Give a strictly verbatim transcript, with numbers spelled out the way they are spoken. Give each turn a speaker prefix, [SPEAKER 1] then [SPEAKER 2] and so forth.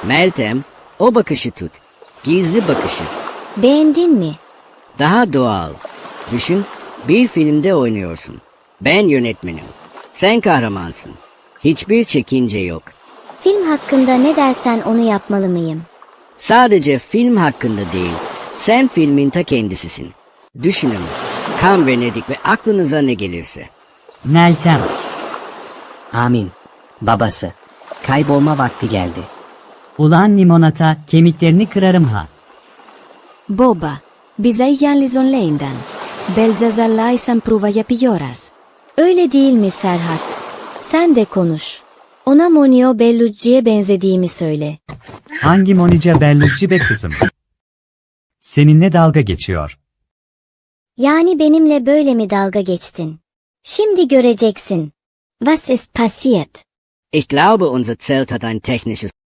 [SPEAKER 1] Meltem, o bakışı tut. Gizli bakışı.
[SPEAKER 2] Beğendin mi?
[SPEAKER 1] Daha doğal. Düşün, bir filmde oynuyorsun. Ben yönetmenim. Sen kahramansın. Hiçbir çekince yok.
[SPEAKER 2] Film hakkında ne dersen onu yapmalı mıyım?
[SPEAKER 1] Sadece film hakkında değil, sen filmin ta kendisisin. Düşünün, Kan Venedik ve aklınıza ne gelirse.
[SPEAKER 3] Meltem.
[SPEAKER 4] Amin. Babası. Kaybolma vakti geldi.
[SPEAKER 3] Ulan limonata, kemiklerini kırarım ha.
[SPEAKER 5] Boba, bize yalnız onlayından. Belzazar'la pruva yapıyoruz.
[SPEAKER 2] Öyle değil mi Serhat? Sen de konuş. Ona Monio Bellucci'ye benzediğimi söyle.
[SPEAKER 6] Hangi Monica Bellucci be kızım? Seninle dalga geçiyor.
[SPEAKER 2] Yani benimle böyle mi dalga geçtin? Şimdi göreceksin. Was ist passiert?
[SPEAKER 1] Ich glaube, unser Zelt hat ein technisches